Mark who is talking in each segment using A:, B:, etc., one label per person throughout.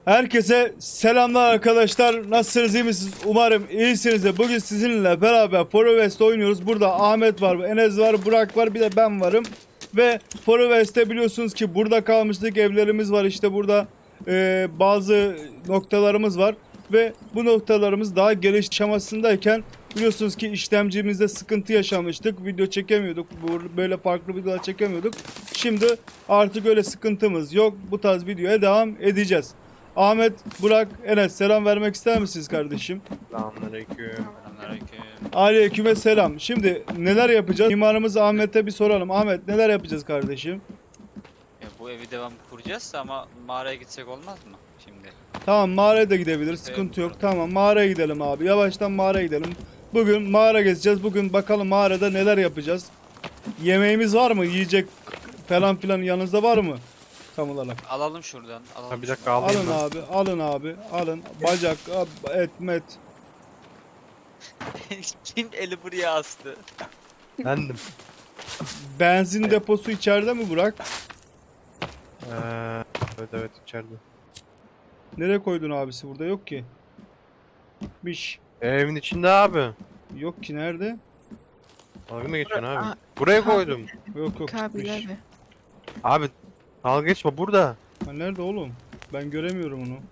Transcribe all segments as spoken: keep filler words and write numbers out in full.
A: Herkese selamlar arkadaşlar. Nasılsınız, iyi misiniz? Umarım iyisinizdir. Bugün sizinle beraber Forest oynuyoruz. Burada Ahmet var, Enes var, Burak var, bir de ben varım. Ve Forest'te biliyorsunuz ki burada kalmıştık. Evlerimiz var işte burada. e, bazı noktalarımız var. Ve bu noktalarımız daha geliş aşamasındayken biliyorsunuz ki işlemcimizde sıkıntı yaşamıştık. Video çekemiyorduk. Böyle farklı videolar çekemiyorduk. Şimdi artık öyle sıkıntımız yok. Bu tarz videoya devam edeceğiz. Ahmet, Burak, Enes selam vermek ister misiniz kardeşim?
B: Selamünaleyküm.
C: Selamünaleyküm.
A: Aleyküm selam. Şimdi neler yapacağız? Mimarımız Ahmet'e bir soralım. Ahmet neler yapacağız kardeşim?
C: Ya bu evi devam kuracağız ama mağaraya gitsek olmaz mı şimdi?
A: Tamam, mağaraya da gidebiliriz. Sıkıntı yok. Tamam, mağaraya gidelim abi. Yavaştan mağaraya gidelim. Bugün mağara gezeceğiz. Bugün bakalım mağarada neler yapacağız. Yemeğimiz var mı? Yiyecek falan filan yanınızda var mı? Tam olarak.
C: Alalım şuradan. Alalım.
B: Ha, bir dakika alayım
A: Alın
B: ben.
A: abi, alın abi, alın. Bacak, et, met.
C: şuradan. Kim eli buraya astı?
B: Bendim.
A: Benzin deposu içeride mi Burak?
B: Ee, evet evet içeride.
A: Nereye koydun abisi? Burada yok ki. Miş.
B: Evin içinde abi.
A: Yok ki, nerede?
B: Dalga mı geçiyorsun abi?
D: Aa,
B: Buraya
D: abi.
B: koydum.
A: Yok yok,
D: Kabil
A: gitmiş.
D: abi.
B: Abi dalga geçme burada.
A: Ha, nerede oğlum? Ben göremiyorum onu.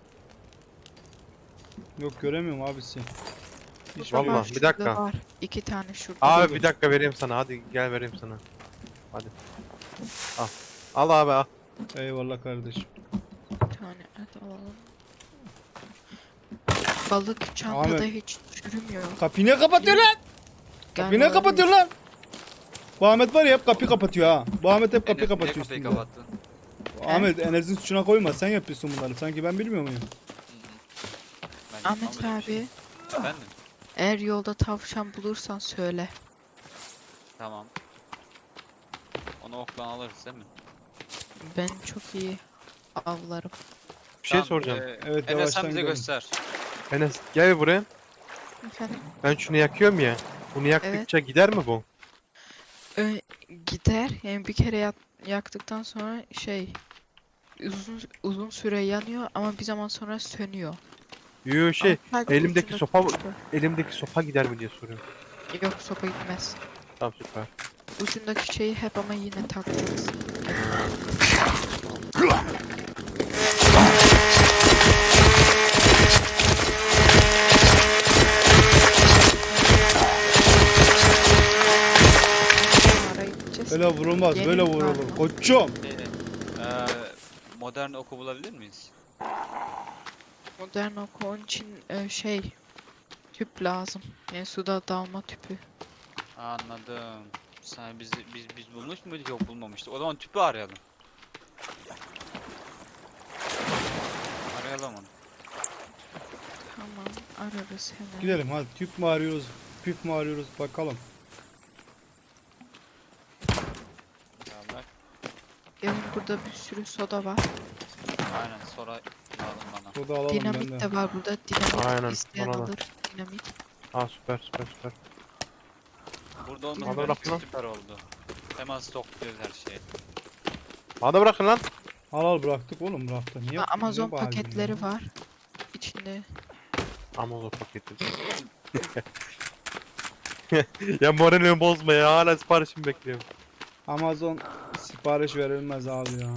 A: Yok, göremiyorum abisi. Hiç
B: Vallahi,
D: Var,
B: bir
D: şurada
B: dakika.
D: Var. İki tane şurada.
B: Abi bir dakika vereyim sana. Hadi gel vereyim sana. Hadi. Al. Al abi al.
A: Eyvallah kardeşim.
D: Bir tane et alalım. Balık çantada
A: Ahmet.
D: hiç çürümüyor.
A: Kapıyı ne kapatıyor lan?
D: Gel
A: Kapıyı ne
D: abi.
A: kapatıyor lan? Bu Ahmet var ya, hep kapıyı kapatıyor ha. Bu Ahmet hep kapıyı
C: Enes, niye
A: kapatıyor
C: kapıyı
A: üstünde.
C: kapattın?
A: Ahmet, Enes'in suçuna koyma, sen yapıyorsun bunları. Sanki ben bilmiyor muyum?
C: Ben
D: Ahmet
C: yapmam öyle bir şey.
D: abi,
C: Efendim?
D: eğer yolda tavşan bulursan söyle.
C: Tamam. Onu oklan alırız değil mi?
D: Ben çok iyi avlarım.
B: Bir şey
C: Tamam,
B: soracağım.
C: e,
A: Evet,
C: Enes
A: yavaştan
C: sen bize
A: gidelim.
C: göster.
B: Enes gel buraya.
D: Efendim?
B: Ben şunu yakıyorum ya. Bunu yaktıkça gider mi bu?
D: Ö gider. Yani bir kere yak- yaktıktan sonra şey uzun uzun süre yanıyor ama bir zaman sonra sönüyor.
B: Yoo şey
D: Ama sadece
B: elimdeki
D: ucundaki
B: sopa
D: uçta.
B: elimdeki sopa gider mi diye soruyorum.
D: Yok, sopa gitmez.
B: Tamam süper.
D: Ucundaki şeyi hep ama yine takacaksın. Mağaraya gideceğiz.
A: Böyle vurulmaz,
D: Yeni
A: böyle
D: bir
A: vurulur.
D: mağara.
A: Koçum.
C: E, e, modern oku bulabilir miyiz?
D: Modern oku onun için e, şey tüp lazım. Yani suda dalma tüpü.
C: Anladım. Sen biz biz biz bulmuş muyduk? Yok, bulmamıştık. O zaman tüpü arayalım. Arayalım onu.
D: Tamam, ararız hemen.
A: Gidelim hadi, tüp mü arıyoruz, püf mü arıyoruz bakalım.
C: İnşallah.
D: Gelin, burada bir sürü soda var.
C: Aynen, sonra lazım bana.
A: Soda alalım
D: Dinamit
A: benden.
D: de var burada. Dinamit
B: Aynen,
D: isteyen
B: bana da.
D: alır. Dinamit.
B: Aa süper süper süper.
C: Burada olması
D: Haber
C: bence
B: bak lan.
C: süper oldu. Hemen stokluyoruz her şeyi.
B: Bana bırakın lan.
A: Al al, bıraktık oğlum, bıraktı. Niye?
D: Ha, Amazon
A: niye bağırdın
D: paketleri
A: ya?
D: var. İçinde.
B: Amazon paketi. Ya moralimi bozma ya. Hala siparişimi bekliyorum.
A: Amazon sipariş verilmez abi ya.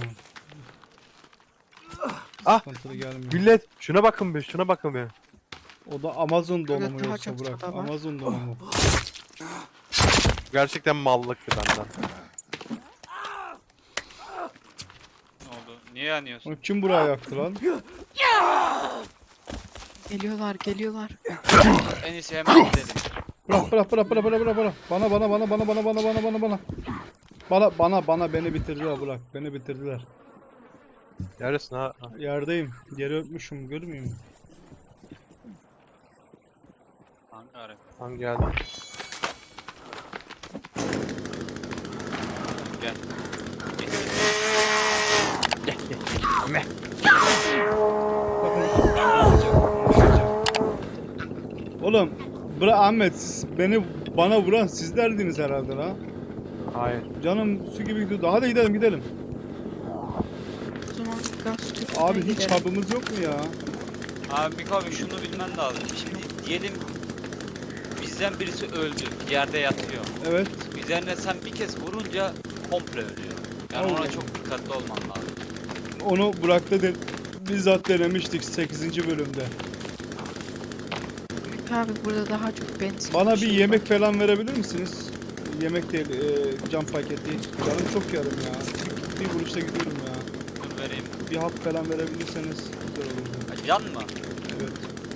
B: Ah,
A: Sıkıntılı gelmiyor.
B: Millet şuna bakın bir şuna bakın bir.
A: O da Amazon
D: Burada
A: donumu
D: daha
A: yoksa
D: çok
A: bırak.
D: soda var.
A: Amazon donumu.
B: Gerçekten mallıktı benden.
C: Ne oldu? Niye yanıyorsun?
A: Onu kim buraya yaktı lan?
D: Geliyorlar, geliyorlar.
C: En iyisi hemen gidelim.
A: Bırak bırak bırak bırak bırak bırak bırak. Bana bana bana bana bana bana bana bana bana. Bana bana bana beni bitirdiler, bırak. Beni bitirdiler.
B: Neredesin ha? Ha.
A: Yerdeyim. Yeri öpmüşüm, görmüyor musun?
C: Hangi ara?
B: Hangi geldi?
C: Gel.
A: Oğlum, bırak Ahmet, siz beni bana vuran sizlerdiniz herhalde la.
B: Hayır.
A: Canım su gibi gidiyordu. Hadi gidelim gidelim.
D: O zaman gaz tüpü
A: Abi hiç
D: gidelim.
A: hub'ımız yok mu ya?
C: Abi Miko abi şunu bilmen lazım. Şimdi diyelim bizden birisi öldü. Yerde yatıyor.
A: Evet.
C: Üzerine sen bir kez vurunca komple ölüyor. Yani
A: Allah.
C: ona çok dikkatli olman lazım.
A: Onu Burak'ta de bizzat denemiştik sekizinci bölümde.
D: Abi burada daha çok benzin.
A: Bana bir
D: şey
A: yemek
D: var.
A: falan verebilir misiniz? Yemek değil, e, cam paketi. Canım çok yarım ya. Bir, bir vuruşta gidiyorum ya.
C: Dur vereyim.
A: Bir hap falan verebilirseniz güzel olurdu.
C: Ha, Can mı?
A: Evet.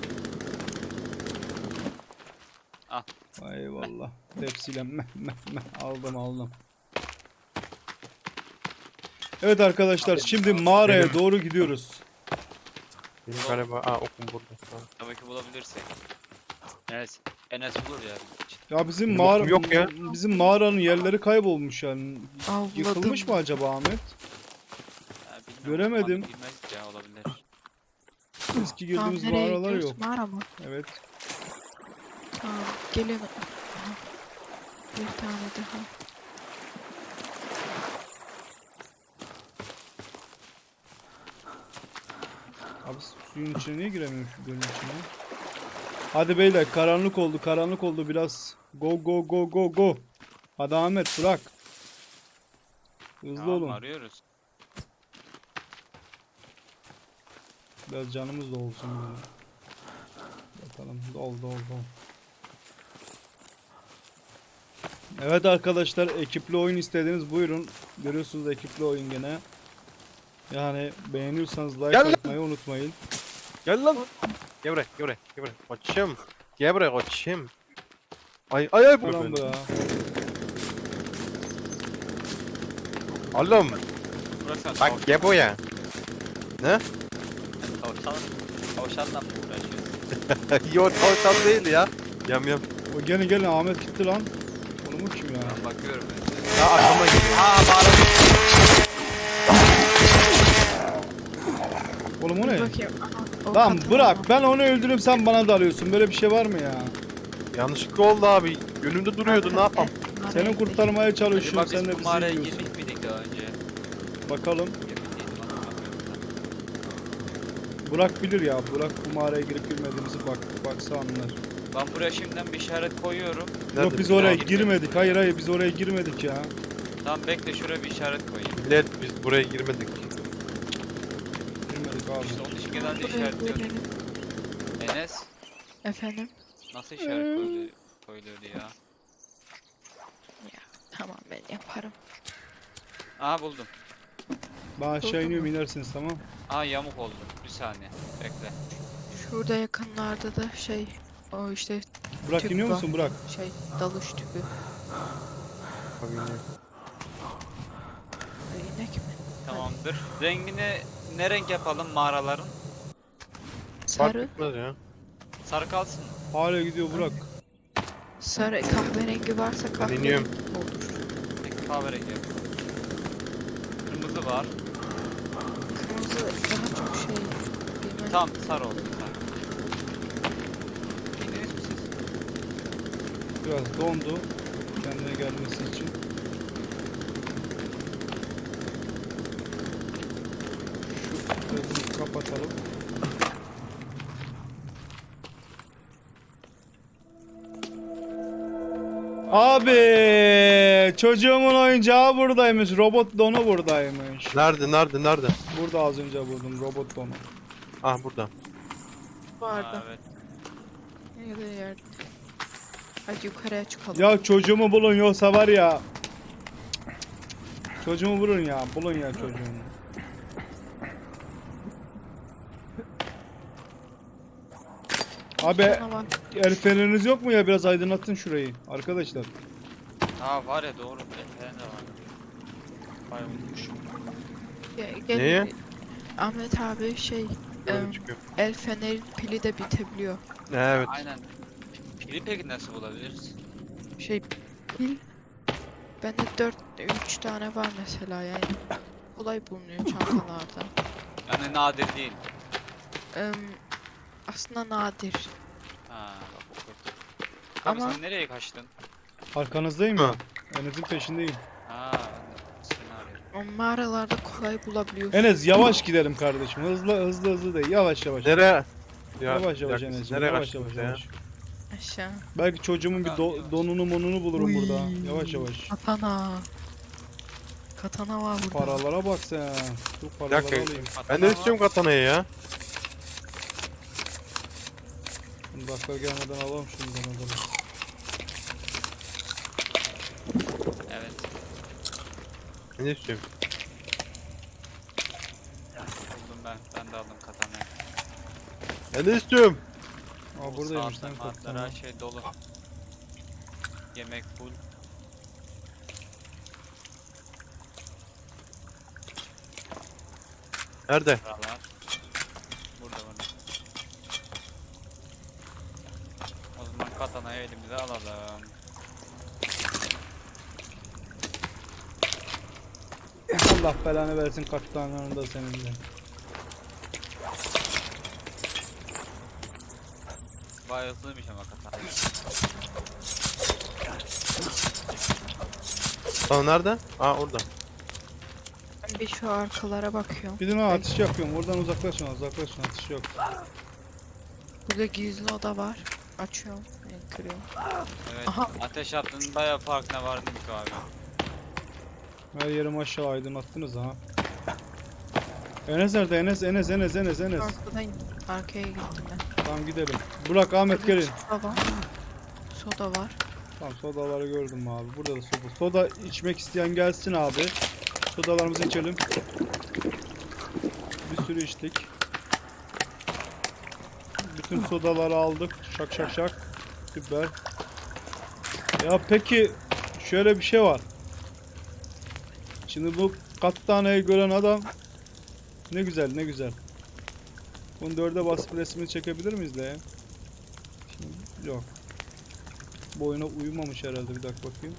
C: Al.
A: Eyvallah. Tepsiyle meh meh meh aldım aldım. Evet arkadaşlar şimdi mağaraya
B: Benim-
A: doğru gidiyoruz.
B: Benim galiba aa okum burada. Tamam.
C: Tabii ki bulabilirsek. Enes, Enes bulur ya.
A: Ya bizim
B: Benim
A: mağara
B: okum yok ya.
A: bizim mağaranın yerleri kaybolmuş yani.
D: Avladım.
A: Yıkılmış mı acaba Ahmet?
C: Ha, bilmiyorum,
A: Göremedim.
C: bakmadım, bilmez ya olabilir.
A: Eski
D: Tamam,
A: girdiğimiz
D: nereye
A: mağaralar
D: gidiyoruz?
A: yok.
D: Mağara mı?
A: Evet.
D: Tamam gelin. Aha. Bir tane daha.
A: Abi suyun içine niye giremiyorum şu gölün içine? Hadi beyler karanlık oldu karanlık oldu biraz. Go go go go go. Hadi Ahmet bırak. Hızlı
C: Tamam,
A: olun.
C: arıyoruz.
A: Biraz canımız da olsun böyle. Bakalım dol dol dol. Evet arkadaşlar ekipli oyun istediniz buyurun. Görüyorsunuz ekipli oyun gene. Yani beğeniyorsanız like
B: Gel lan.
A: atmayı unutmayın.
B: Gel lan. Gel buraya, gel buraya, gel buraya. Koçum. Gel buraya koçum. Ay ay ay bu.
A: Ulan bra.
B: Oğlum
C: Bırak sen
B: bak gel buraya.
C: tavşan. Tavşanla mı uğraşıyorsun?
B: Yo tavşan değil ya. Yam yam.
A: O gene gene Ahmet gitti lan. Onu mu kim ya?
C: Ben bakıyorum ben.
B: Ya arkama geliyor.
C: Aa bağırıyor.
A: Oğlum o
D: Dur
A: ne?
D: bakayım. Aha, o
A: Lan
D: katana
A: bırak
D: var.
A: ben onu öldürüp sen bana dalıyorsun. Böyle bir şey var mı ya?
B: Yanlışlıkla oldu abi. Önümde duruyordu ne yapam?
D: Mağaraya
A: Seni
D: gidelim.
A: kurtarmaya
C: Acaba
A: çalışıyorum
C: biz
A: sen de
C: bu
A: bizi
C: mağaraya
A: yiyorsun.
C: girmiş miydik daha önce?
A: Bakalım.
C: Emin değilim, hatırlamıyorum.
A: Burak bilir ya. Burak bu mağaraya girip girmediğimizi bak baksa anlar.
C: Ben buraya şimdiden bir işaret koyuyorum.
A: Yok biz
B: Nerede?
A: oraya
C: Girmedik.
A: girmedik. Hayır hayır biz oraya girmedik ya.
C: Tamam bekle şuraya bir işaret koyayım.
B: Millet biz buraya girmedik.
A: Girmedik abi.
C: İşte onun için genelde
D: Buraya
C: işaretliyorum.
D: gidelim.
C: Enes
D: Efendim?
C: nasıl işaret koyuluyor, koyuluyordu ya?
D: Tamam ben yaparım.
C: Aha buldum.
A: Ben aşağı
D: Oldu
A: iniyorum
D: mu?
A: inersiniz tamam.
C: Aa yamuk oldu. Bir saniye. Bekle.
D: Şurada yakınlarda da şey o işte
A: Burak
D: Tüp
A: iniyor
D: var.
A: musun Burak?
D: şey dalış tüpü.
B: Abi yine.
D: Ay, İnek mi?
C: Tamamdır. Rengini ne renk yapalım mağaraların?
B: Fark
D: Sarı,
B: etmez ya.
C: Sarı kalsın mı?
A: Hala gidiyor Burak.
D: sarı kahverengi varsa kahverengi
B: iniyorum.
D: olur.
C: Peki kahverengi yapalım. Kırmızı var.
D: Kırmızı daha çok şey bilmem.
C: Tamam sarı olsun sarı. İndiniz mi siz?
A: Biraz dondu. Kendine gelmesi için. Şu gözümüzü kapatalım. Abi çocuğumun oyuncağı buradaymış. Robot donu buradaymış.
B: Nerede nerede nerede?
A: Burada az önce buldum robot donu.
B: Ah burada.
D: Vardı.
C: Aa, evet.
D: Ya da yerde. Hadi yukarıya çıkalım.
A: Ya çocuğumu bulun yoksa var ya. Çocuğumu bulun ya. Bulun ya çocuğumu. Abi
D: Canavar.
A: el feneriniz yok mu ya? Biraz aydınlatın şurayı arkadaşlar.
C: Aa var ya doğru. Efendim de var. Vay unutmuşum.
D: Ge- gel-
B: Neye?
D: Ahmet abi şey
B: Böyle
D: em,
B: çıkıyor.
D: el fenerin pili de bitebiliyor.
B: Evet.
C: Aynen. Pili peki nasıl bulabiliriz?
D: Şey pil bende dört üç tane var mesela yani kolay bulunuyor çantalarda.
C: Yani nadir değil.
D: Em, aslında nadir.
C: Ha bak o kötü. Abi
D: Ama-
C: sen nereye kaçtın?
A: Arkanızdayım ya. Enes'in peşindeyim.
C: Ha ben de seni arıyorum.
D: O mağaralarda kolay bulabiliyorsun.
A: Enes yavaş gidelim kardeşim. Hızlı hızlı hızlı değil. Yavaş yavaş.
B: Nereye? Ya,
A: Yavaş
B: bir
A: yavaş
B: dakika,
A: Enes'ciğim.
B: nereye
A: Yavaş
B: kaçtınız
A: yavaş
B: ya?
A: yavaş.
D: Aşağı.
A: Belki çocuğumun bir do-
C: Yavaş.
A: donunu monunu bulurum
D: Uy.
A: burada. Yavaş yavaş.
D: Katana. Katana var burada.
A: Paralara bak sen. Dur
B: Bir
A: paraları
B: dakika.
A: alayım.
B: Ben de istiyorum katanayı ya.
A: Dakika gelmeden alalım şundan adamı.
C: Evet.
B: Ben de istiyorum.
C: Buldum ben. Ben de aldım katanayı.
B: Ben de istiyorum.
A: Aa buradaymış
C: Saatler,
A: lan
C: saatler,
A: kaptan.
C: her şey dolu. Yemek full.
B: Nerede?
C: Paralar. Burada burada. O zaman katanayı elimize alalım.
A: Allah belanı versin kaptanların da senin de.
C: Bayağı hızlıymış ama katana.
B: Tamam nerede? Aa orada.
D: Ben bir şu arkalara bakıyorum.
A: Gidin ha atış yapıyorum. Oradan uzaklaşın uzaklaşın atış yok.
D: Burada gizli oda var. Açıyorum. Yani kırıyorum.
C: Evet.
D: Aha.
C: Ateş attığın bayağı farkına vardın ki abi.
A: Her yerim aşağı aydınlattınız ha. Enes nerede? Enes Enes Enes Enes Enes.
D: Arkadan arkaya gittim ben.
A: Tamam gidelim. Burak Ahmet gelin.
D: Soda var. Soda var.
A: Tamam sodaları gördüm abi. Burada da soda. Soda içmek isteyen gelsin abi. Sodalarımızı içelim. Bir sürü içtik. Bütün sodaları aldık. Şak şak şak. Süper. Ya peki şöyle bir şey var. Şimdi bu kattaneyi gören adam ne güzel ne güzel. Bunu dörde basıp resmini çekebilir miyiz de ya? Şimdi, yok. Bu oyuna uyumamış herhalde, bir dakika bakayım.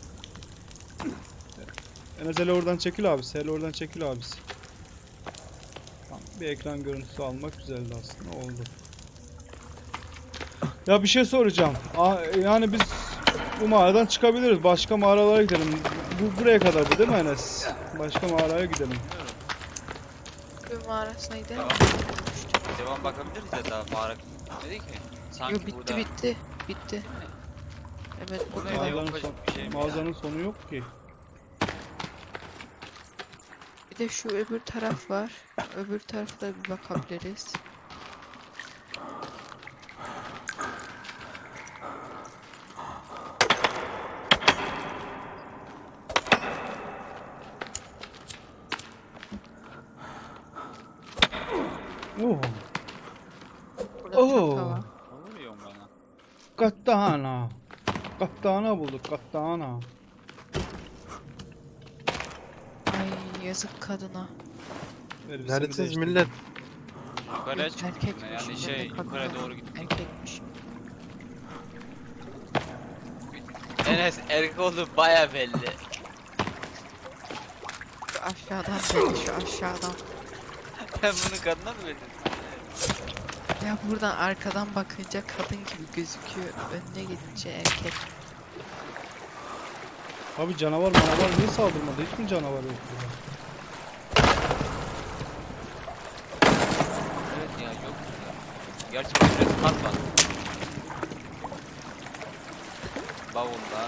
A: Enes hele oradan çekil abisi, hele oradan çekil abisi. Tamam, bir ekran görüntüsü almak güzeldi aslında, oldu. Ya bir şey soracağım. Aa, yani biz bu mağaradan çıkabiliriz. Başka mağaralara gidelim. Bu buraya kadardı değil mi Enes? Başka mağaraya gidelim.
D: Bir mağarasına gidelim.
C: Tamam. Devam bakabiliriz ya daha mağara bitmedi ki. Sanki
D: Yo bitti
C: burada...
D: bitti. Bitti. Evet
C: Bu ne
D: burada.
C: ya?
A: Mağazanın,
C: Yok,
A: son-
C: bir şey mi
A: mağazanın sonu yok ki.
D: Bir de şu öbür taraf var. Öbür tarafta bir bakabiliriz.
A: Oh,
D: Burada
A: Oo.
D: çanta var.
C: Ne vuruyorsun bana?
A: kattana. Kattana bulduk, kattana.
D: Ay yazık kadına.
A: Elbisemi
B: Neredesiniz
A: değiştirdim.
B: millet?
C: Yukarıya çıktım.
D: Erkekmiş.
C: Yani
D: ben
C: şey
D: de kadına
C: yukarı
D: baktım.
C: doğru gittim.
D: Erkekmiş.
C: Enes erkek oldu baya belli.
D: Şu aşağıdan belli şu aşağıdan.
C: Ben bunu kadına mı verdim?
D: Ya buradan arkadan bakınca kadın gibi gözüküyor. Önüne gidince erkek.
A: Abi canavar manavar niye saldırmadı? Hiç mi canavar yok burada?
C: Evet ya yok ya. Gerçi bu biraz kat var. Bavullar.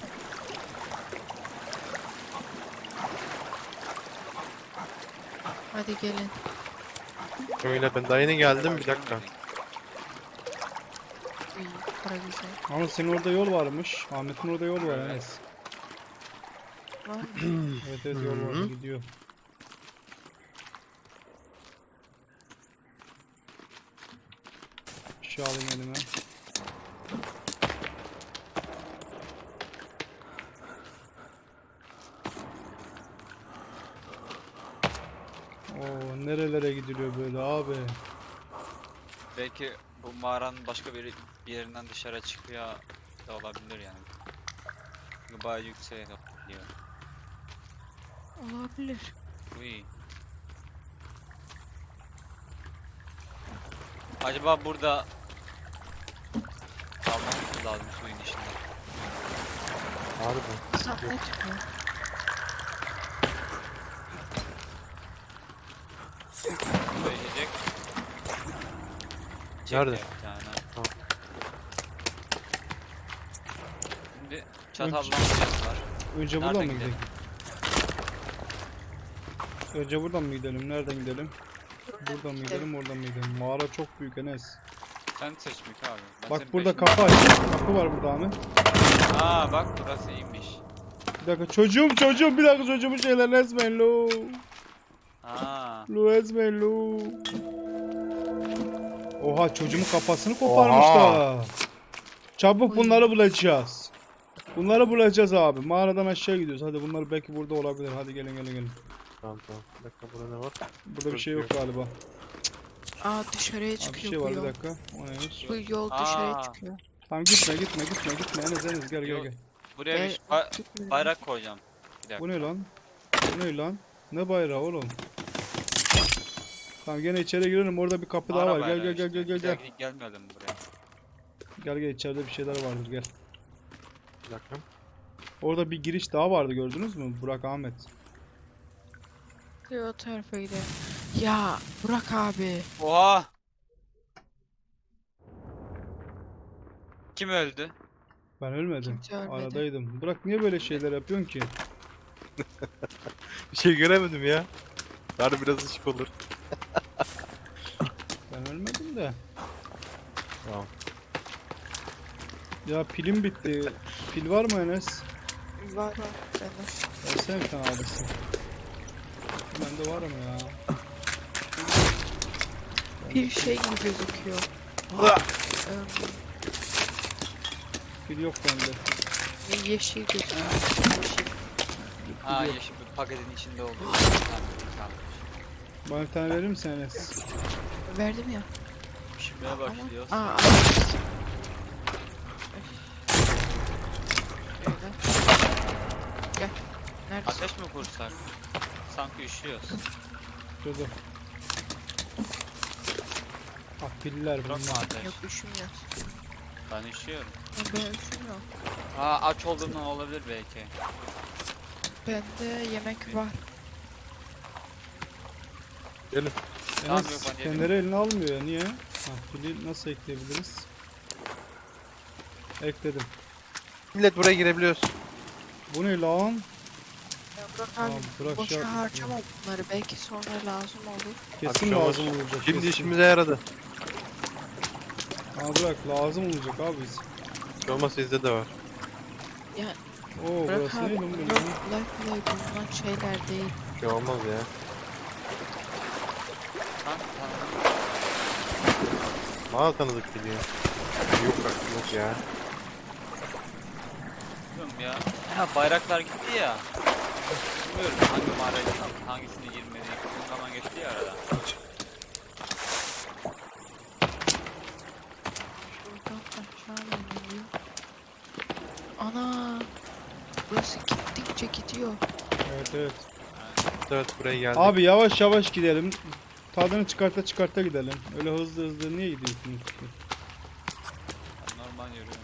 D: Hadi gelin.
B: Öyle ben daha yeni geldim bir dakika.
D: İyi, para güzel.
A: Ama senin orada yol varmış. Ahmet'in orada yol var
C: Evet.
A: Enes.
D: Var mı?
A: Evet evet yol var
B: Hı.
A: gidiyor. Bir şey alayım elime. Oo nerelere gidiliyor böyle abi.
C: Belki bu mağaranın başka bir, bir yerinden dışarı çıkıyor da olabilir yani. Çünkü bayağı yükseğe gidiyor.
D: Olabilir.
C: Uy. Acaba burada kalmamız lazım suyun içinde.
B: Harbi.
D: Sahne çıkıyor.
C: söyleyecek.
B: Nerede?
C: Çekti bir tane.
B: Tamam.
C: Şimdi çatallanacağız var.
A: Önce
C: Nereden
A: buradan mı
C: gidelim?
A: gidelim? Önce buradan mı gidelim? Nereden gidelim? Buradan mı gidelim? Oradan mı gidelim? Mağara çok büyük Enes.
C: Sen seç Mika abi. Ben
A: Bak
C: senin
A: burada
C: peşinde-
A: kapı aç. Kapı var burada Ahmet.
C: Aa bak burası iyiymiş.
A: Bir dakika çocuğum çocuğum bir dakika çocuğumun şeylerini ezmeyin lo.
C: Aa.
A: Lo ezmeyin lo. Oha çocuğumun kafasını koparmışlar. Çabuk
D: Oy.
A: bunları bulacağız. Bunları bulacağız abi. Mağaradan aşağı gidiyoruz. Hadi bunlar belki burada olabilir. Hadi gelin gelin gelin.
B: Tamam tamam. Bir dakika burada ne var?
A: Burada bir şey yok galiba.
D: Aa dışarıya
A: Abi bir
D: çıkıyor
A: şey
D: bu
A: var bir
D: yol.
A: dakika. O neymiş?
D: Bu yol dışarıya
C: Aa.
D: çıkıyor.
A: Tamam gitme gitme gitme gitme. Enes Enes gel gel
C: Yok.
A: gel.
C: Buraya
D: Gel,
C: bir ba-
D: gitme.
C: bayrak koyacağım. Bir dakika.
A: Bu ne lan? Bu ne lan? Ne bayrağı oğlum? Tamam gene içeri girelim. Orada bir kapı daha
C: Mağara
A: var. Gel
C: bayrağı
A: gel gel
C: işte.
A: gel gel gel.
C: Gel- Gelmedim buraya.
A: Gel gel içeride bir şeyler vardır gel.
B: Bir dakika.
A: Orada bir giriş daha vardı gördünüz mü? Burak Ahmet.
D: O tarafa gidelim. Ya Burak abi.
C: Oha! Kim öldü?
A: Ben ölmedim.
D: Kimse ölmedi.
A: Aradaydım. Burak niye böyle şeyler yapıyorsun ki?
B: Bir şey göremedim ya. Bari biraz ışık olur.
A: Ben ölmedim de.
B: Tamam.
A: Ya pilim bitti. Pil var mı Enes?
D: Var var. Bende.
A: Versene bir tane abisi. Bende var mı ya?
D: Bir şey gibi gözüküyor.
B: Ah!
D: Em,
A: Pil yok bende.
D: yeşil gözüküyor. Yeşil.
C: Aa
A: yok.
C: yeşil bir paketin içinde oldu. Tamam, tamam.
A: Bana bir tane verir misin Enes?
D: Verdim ya.
C: Pişmeye başlıyoruz.
D: Aa, aa. Şöyle. Gel. Neredesin?
C: Ateş mi kursak? Sanki üşüyoruz.
A: Şurada. Ah piller
C: Bırakma
A: bunlar.
C: ateş.
D: Yok üşümüyoruz.
C: Ben üşüyorum.
D: Ya ben üşümüyorum.
C: Aa aç olduğundan olabilir belki.
D: Bende yemek var.
B: Gelin.
C: Tamam, yok,
A: Enes
C: ben yedim.
A: kendileri eline almıyor ya niye? Ha pili nasıl ekleyebiliriz? Ekledim.
B: Millet buraya girebiliyoruz.
A: Bu ne lan?
D: Ya Burak
A: Tamam
D: abi
A: bırak şey
D: boşa
A: yapma.
D: harcama bunları. Belki sonra lazım olur.
A: Kesin
B: Abi şu
A: lazım
B: an-
A: olacak.
B: Şimdi
A: kesin.
B: işimize yaradı.
A: Ha bırak lazım olacak abi.
B: Hiç olmazsa sizde de var.
D: Ya
A: Oo
D: Burak
A: burası
D: abi
A: ne lan
D: yok
A: böyle?
D: kolay kolay bulunan şeyler değil.
B: Bir şey olmaz ya.
C: Tamam tamam.
B: Bana tanıdık geliyor. Yok bak yok ya.
C: Bilmiyorum ya. Ha bayraklar gitti ya. Bilmiyorum hangi mağaraya gittik, hangisine girmedik. Uzun zaman geçti ya arada.
D: Şuradan aşağı iniliyor. Ana! Burası gittikçe gidiyor.
A: Evet evet.
B: Evet buraya geldik.
A: Abi yavaş yavaş gidelim. Tadını çıkarta çıkarta gidelim. Öyle hızlı hızlı niye gidiyorsunuz ki?
C: Ben normal yürüyorum.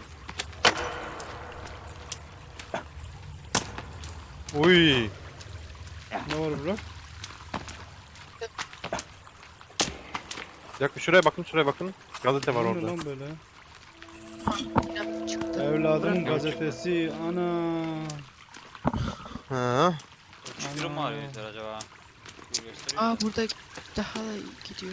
B: Uy.
A: Ne var Burak?
B: Bir dakika şuraya bakın şuraya bakın. Gazete var
A: Bu ne
B: orada.
A: lan böyle?
D: Yine çıktı.
A: Evladımın
D: Burak-
A: gazetesi. Ana.
B: Ha.
C: Çıkırım mı
A: Ana.
C: arıyorlar acaba? Dur gösteriyor.
D: Aa burada daha da gidiyor.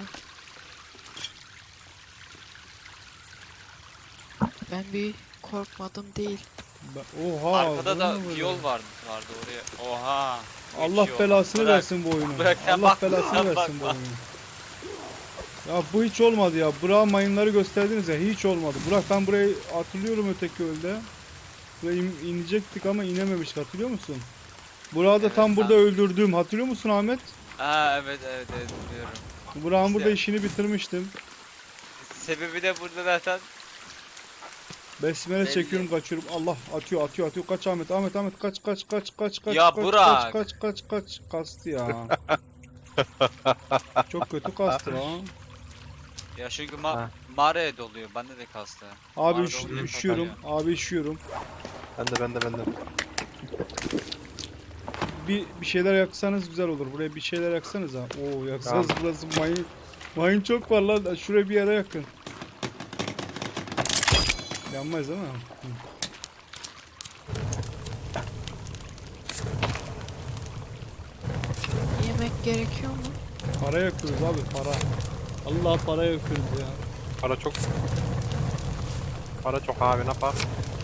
D: Ben bir korkmadım değil.
A: Ben- Oha.
C: Arkada
A: bu
C: da
A: ne
C: bir
A: böyle?
C: yol vardı, vardı oraya. Oha.
A: Allah
C: Geçiyor.
A: belasını
C: Bırak.
A: versin bu oyunu.
C: Bırak, sen
A: Allah
C: bakma,
A: belasını
C: sen
A: versin bu
C: bakma.
A: oyunu. Ya bu hiç olmadı ya. Burak'a mayınları gösterdiniz ya. Hiç olmadı. Burak ben burayı hatırlıyorum öteki ölde. Buraya in- inecektik ama inememiştik hatırlıyor musun? Burak'ı da
C: Evet,
A: tam
C: ha.
A: burada öldürdüm. Hatırlıyor musun Ahmet?
C: Aa evet evet evet biliyorum.
A: Burak'ın
C: İşte.
A: burada işini bitirmiştim.
C: Sebebi de burada zaten.
A: Besmele
C: Belli.
A: çekiyorum kaçıyorum. Allah atıyor atıyor atıyor. Kaç Ahmet Ahmet Ahmet kaç kaç kaç kaç kaç
C: Ya
A: kaç,
C: Burak.
A: kaç kaç kaç kaç kastı ya. Çok kötü kastı lan.
C: Ya çünkü ma
B: Ha.
C: mağaraya doluyor. Bende de kastı.
A: Abi
C: Mağarada
A: üş-
C: oluyor,
A: üşüyorum.
C: takılıyor.
A: Abi üşüyorum.
B: Ben de ben de ben de.
A: Bir bir şeyler yaksanız güzel olur. Buraya bir şeyler yaksanız ha. Oo yaksanız burası mayın Mayın çok var lan. Şuraya bir yere yakın. Yanmayız değil mi? Hı.
D: Yemek gerekiyor mu?
A: Para yakıyoruz abi para. Allah para yakıyoruz ya.
B: Para çok. Para çok abi ne yapar?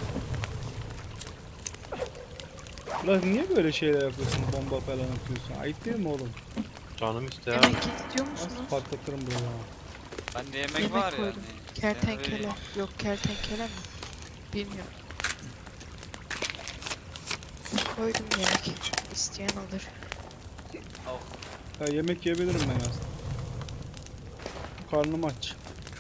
A: Lan niye böyle şeyler yapıyorsun? Bomba falan atıyorsun. Ayıp değil mi oğlum?
B: Canım ister.
D: Yemek istiyor
A: Nasıl
D: musunuz?
A: patlatırım bunu ya.
C: Bende yemek,
D: Yemek
C: var
D: koydum.
C: yani.
D: Kertenkele.
C: Yani
D: Yok kertenkele mi? Bilmiyorum. Koydum yemek. İsteyen alır.
C: Oh,
A: Ya yemek yiyebilirim ben aslında. Karnım aç.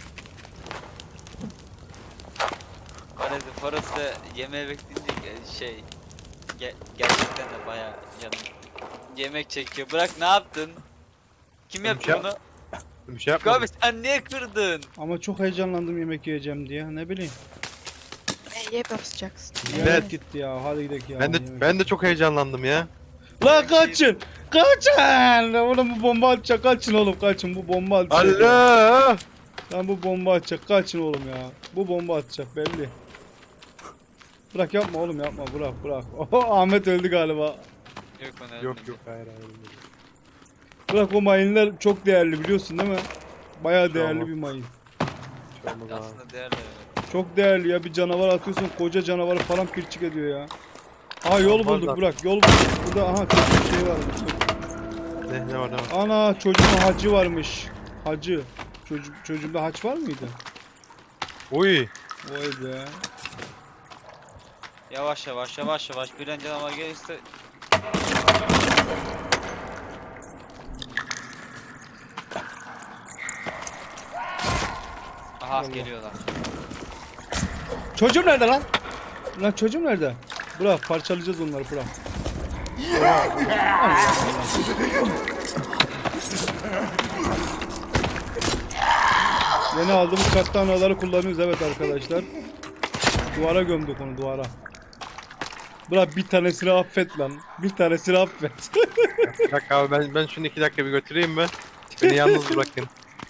C: Parası, parası da yemeğe bekleyince ge- şey ge- gerçekten de bayağı canım yemek çekiyor. Bırak ne yaptın? Kim
B: Ben bir
C: yapıyor
B: şey
C: bunu?
B: Bir şey
C: Abi
B: yapmadım.
C: sen niye kırdın?
A: Ama çok heyecanlandım yemek yiyeceğim diye. Ne bileyim.
D: Neye basacaksın?
B: Evet.
A: Yemek gitti ya. Hadi gidelim ya.
B: Ben de
A: yemek.
B: ben de çok heyecanlandım ya.
A: Lan kaçın! Kaçın! Oğlum bu bomba atacak. Kaçın oğlum kaçın. Bu bomba atacak.
B: Allah!
A: Lan bu bomba atacak. Kaçın oğlum ya. Bu bomba atacak belli. Bırak yapma oğlum yapma. Bırak bırak. Oho Ahmet öldü galiba.
C: Yok ona
B: Yok yok hayır hayır.
A: Bırak o mayınlar çok değerli biliyorsun değil mi? Bayağı
B: Şu
A: değerli
B: an
A: bir mayın.
B: Hiç olmaz abi.
C: aslında değerli. Evet.
A: Çok değerli ya. Bir canavar atıyorsun. Koca canavarı falan pirçik ediyor ya. Aha yol
B: Vallahi.
A: bulduk Burak. Yol bulduk. Burada aha çok bir şey varmış.
B: Ne ne var ne var?
A: Ana çocuğun hacı varmış. Hacı. Çocuk çocuğunda haç var mıydı?
B: Uy.
A: Vay be.
C: Yavaş yavaş yavaş yavaş bir an canavar gelirse aha
A: Allah.
C: geliyorlar.
A: Çocuğum nerede lan? Lan çocuğum nerede? Burak parçalayacağız onları Burak. Yeni aldığımız katlanaları kullanıyoruz evet arkadaşlar. Duvara gömdük onu duvara. Burak bir tanesini affet lan. Bir tanesini affet.
B: Bir dakika abi ben ben şunu iki dakika bir götüreyim mi? Beni yalnız bırakın.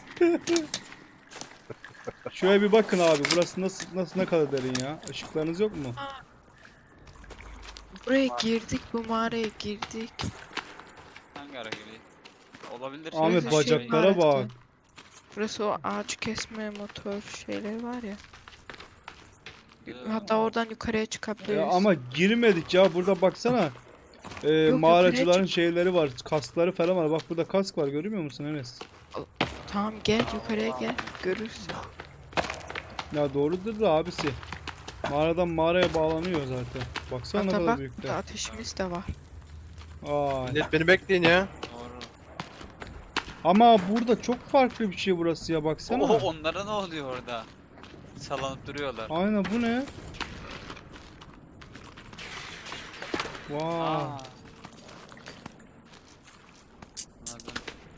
A: Şöyle bir bakın abi. Burası nasıl nasıl ne kadar derin ya? Işıklarınız yok mu?
D: Buraya girdik, bu mağaraya girdik.
C: Hangi ara geliyor? Olabilir.
A: Ahmet
D: şey
A: bacaklara
D: var
A: bak.
D: Burası o ağaç kesme motor şeyleri var ya.
C: Ee,
D: Hatta oradan yukarıya çıkabiliriz.
A: Ya ama girmedik ya. Burada baksana. Ee,
D: yok,
A: mağaracıların
D: yukarıya
A: şeyleri var. Kaskları falan var. Bak burada kask var. Görmüyor musun Enes?
D: Tamam gel yukarıya gel. Görürsün.
A: Ya doğrudur da abisi. Mağaradan mağaraya bağlanıyor zaten. Baksana ne
D: Hatta
A: kadar
D: bak
A: büyükler.
D: burada ateşimiz de var.
A: Ay.
B: Millet beni bekleyin ya.
C: Doğru.
A: Ama burada çok farklı bir şey burası ya baksana.
C: Oho onlara ne oluyor orada? Sallanıp duruyorlar.
A: Aynen bu ne? Vay.
C: Aa. Anladım.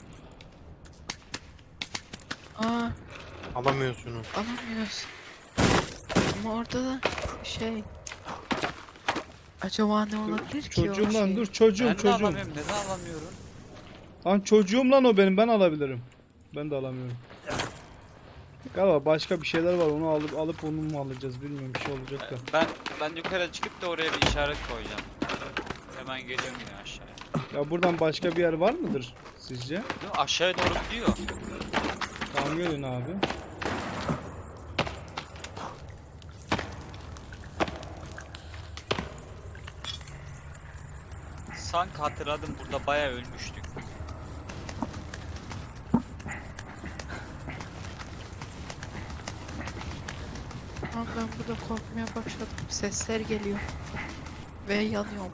D: Aa
B: Alamıyorsun şunu.
D: alamıyoruz. Ama orada da şey. Acaba ne olabilir ki o
A: Çocuğum lan
D: şey?
A: dur çocuğum
C: Ben de
A: çocuğum.
C: alamıyorum. Neden alamıyorum?
A: Lan çocuğum lan o benim ben alabilirim. Ben de alamıyorum. Galiba başka bir şeyler var onu alıp alıp onu mu alacağız bilmiyorum bir şey olacak da.
C: Ben ben yukarı çıkıp da oraya bir işaret koyacağım. Hemen geliyorum yine aşağıya.
A: Ya buradan başka bir yer var mıdır sizce?
C: Değil mi? Aşağıya doğru gidiyor.
A: Tamam gelin abi.
C: Sanki hatırladım burada bayağı ölmüştük.
D: Tamam ben burada korkmaya başladım. Sesler geliyor. Ve yanıyorum.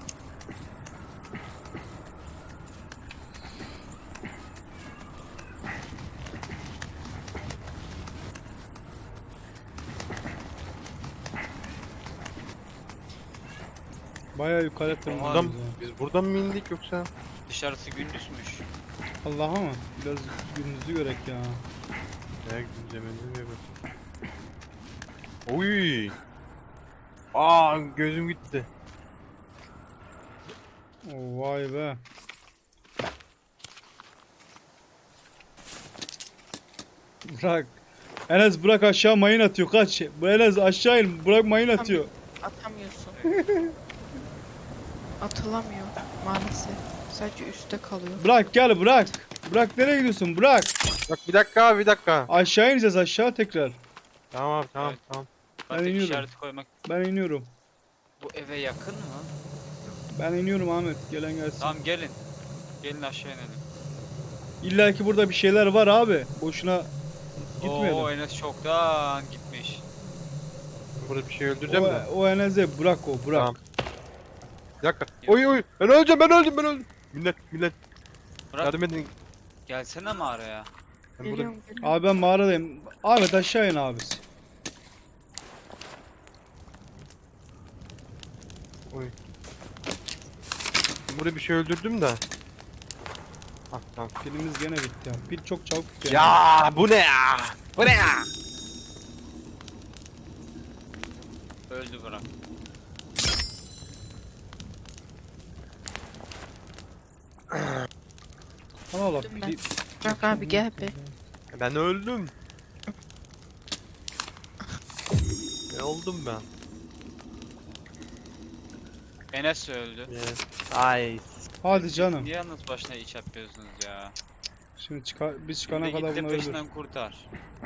A: Bayağı yukarı
B: Buradan,
A: tırmanıyoruz ya.
B: biz buradan mı indik yoksa?
C: Dışarısı gündüzmüş.
A: Allah'a mı? Biraz gününüzü görek ya.
B: Ne güncemini diye bak. Uy. Aa gözüm gitti.
A: Oo, vay be. Bırak. Enes bırak aşağı mayın atıyor kaç. Bu Enes aşağı in bırak mayın atıyor.
D: Atamıyorsun. Atılamıyor maalesef. Sadece üstte kalıyor.
A: Bırak gel bırak. Bırak nereye gidiyorsun bırak.
B: Bak bir dakika abi bir dakika.
A: Aşağı ineceğiz aşağı tekrar.
B: Tamam abi tamam
C: Evet.
B: tamam.
C: Artık
A: iniyorum.
C: işareti koymak.
A: Ben iniyorum.
C: Bu eve yakın mı?
A: Ben iniyorum Ahmet gelen gelsin.
C: Tamam gelin. Gelin aşağı inelim.
A: İlla ki burada bir şeyler var abi. Boşuna gitmeyelim.
C: Oo Enes çoktan gitmiş.
B: Burada bir şey öldüreceğim
A: O,
B: de.
A: o Enes'e bırak o bırak.
B: Tamam. Bir dakika. Oy oy. Ben öleceğim ben öldüm ben öldüm. Millet millet.
C: Bırak
B: Yardım edin.
C: gelsene mağaraya.
B: Ben burada...
D: Geliyorum geliyorum.
A: Abi ben mağaradayım. Ahmet aşağı in abisi.
B: Oy. Ben burada bir şey öldürdüm de. Ah tamam.
A: Pilimiz gene bitti ya. Pil çok çabuk bitiyor.
B: Ya bu ne ya? Bu ne ya?
C: Öldü bırak.
A: Allah Allah.
D: Öldüm ben.
A: pil-
D: Bırak abi gel be.
B: Ben öldüm. Ne oldum ben?
C: Enes öldü.
B: Yes. Ay.
A: Hadi canım.
C: Niye yalnız başına iç yapıyorsunuz ya?
A: Şimdi çıkar, biz çıkana
C: Şimdi
A: kadar
C: git de
A: bunları öldür.
C: peşinden kurtar.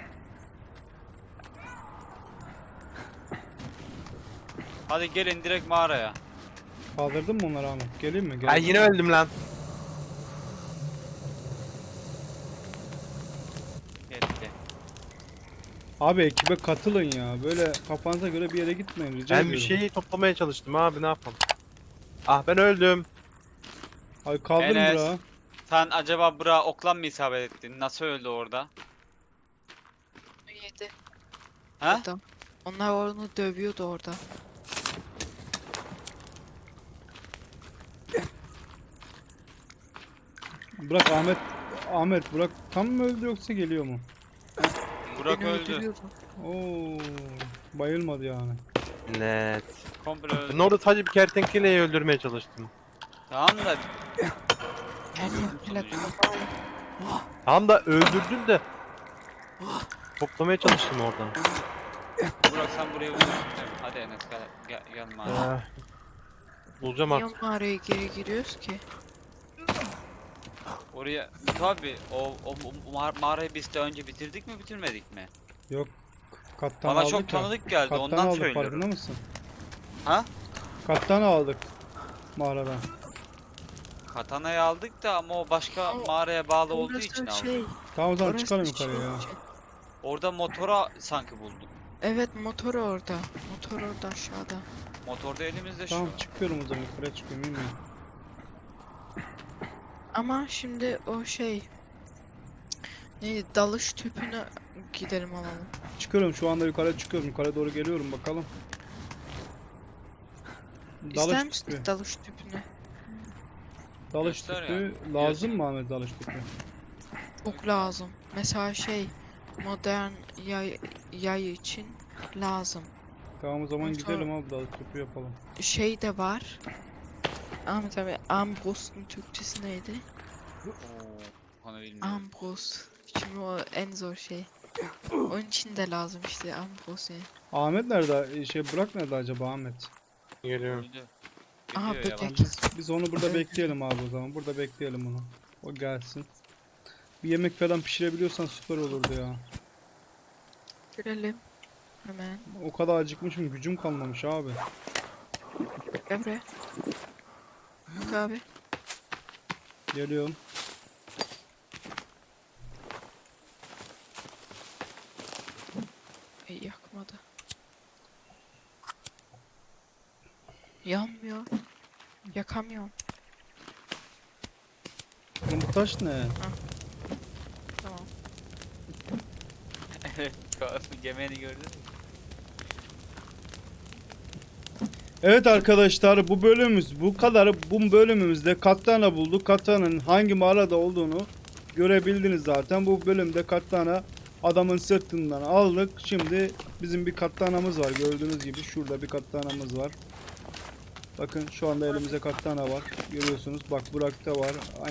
C: Hadi gelin direkt mağaraya.
A: Kaldırdın mı onları Ahmet? Geleyim mi? Gel.
B: Ay yine öldüm lan.
C: Yetti.
A: Abi ekibe katılın ya. Böyle kafanıza göre bir yere gitmeyin rica
B: Ben
A: ediyorum.
B: bir şeyi toplamaya çalıştım abi ne yapalım? Ah ben öldüm.
A: Ay kaldın
C: Enes.
A: bura.
C: Sen acaba bura oklan mı isabet ettin? Nasıl öldü orada?
D: Yedi.
C: Ha?
D: Adam. Onlar onu dövüyordu orada.
A: Bırak Ahmet. Ahmet bırak tam mı öldü yoksa geliyor mu?
C: Burak
D: Beni
C: öldü.
D: öldürüyordu.
A: Oo, bayılmadı yani.
B: Net.
C: Komple öldü.
B: Ben orada sadece bir kertenkeleyi öldürmeye çalıştım.
C: Tamam da
D: Kertenkele
B: Tamam da öldürdüm de. Toplamaya çalıştım oradan.
C: Burak sen buraya vurursun. Hadi Enes gel, gel, gel mağaraya.
B: Ah. Bulacağım
D: niye
B: artık.
D: mağaraya geri giriyoruz ki?
C: Oraya tabi o, o, o mağar- mağarayı biz de önce bitirdik mi bitirmedik mi?
A: Yok. Kattan
C: Bana
A: aldık
C: çok
A: ya.
C: tanıdık geldi
A: Kattan
C: ondan
A: aldık
C: söylüyorum.
A: farkında mısın?
C: Ha?
A: Kattan aldık. Mağaradan.
C: Katana'yı aldık da ama o başka
D: Ama
C: mağaraya bağlı olduğu
D: Orası
C: için aldık.
D: şey.
A: Tamam o zaman
D: orası
A: çıkalım
D: şey
A: yukarıya ya.
D: için.
C: Orada motora sanki bulduk.
D: Evet motor orada. Motor orada aşağıda.
C: Motorda elimizde şu.
A: Tamam çıkıyorum o zaman yukarıya çıkıyorum bilmiyorum.
D: Ama şimdi o şey. Neydi? Dalış tüpüne gidelim alalım.
A: Çıkıyorum şu anda yukarıya çıkıyorum. Yukarı doğru geliyorum bakalım.
D: İster
A: Dalış
D: misin
A: tüpü.
D: dalış tüpünü?
A: Dalış
C: Göster
A: tüpü
C: ya.
A: lazım mı Ahmet dalış tüpü?
D: Çok lazım. Mesela şey modern yay, yay için lazım.
A: Tamam o zaman
D: Ondan sonra-
A: gidelim abi dalış tüpü yapalım.
D: Şey de var. Ahmet abi Ambros'un Türkçesi neydi?
C: Oo, onu bilmiyorum.
D: Ambros. Şimdi o en zor şey. Onun için de lazım işte Ambros yani.
A: Ahmet nerede? Şey Burak nerede acaba Ahmet?
B: Geliyorum.
C: Öldü.
D: Aha,
C: Gidiyor
D: böcek.
C: yavaş.
A: Biz, biz onu burada
D: Evet.
A: bekleyelim abi o zaman. Burada bekleyelim onu. O gelsin. Bir yemek falan pişirebiliyorsan süper olurdu ya.
D: Görelim. Hemen.
A: O kadar acıkmışım gücüm kalmamış abi.
D: Gel buraya. Bak abi.
A: Geliyorum.
D: Ey yakmadı. Yanmıyor. Yakamıyorum.
A: Oğlum bu taş ne?
D: Tamam.
C: Evet. Yemeğini gördün mü?
A: Evet arkadaşlar bu bölümümüz bu kadar. Bu bölümümüzde Katana bulduk. Katana'nın hangi mağarada olduğunu görebildiniz zaten. Bu bölümde Katana adamın sırtından aldık. Şimdi bizim bir Katana'mız var. Gördüğünüz gibi şurada bir Katana'mız var. Bakın şu anda elimizde Katana var. Görüyorsunuz. Bak Burak'ta var.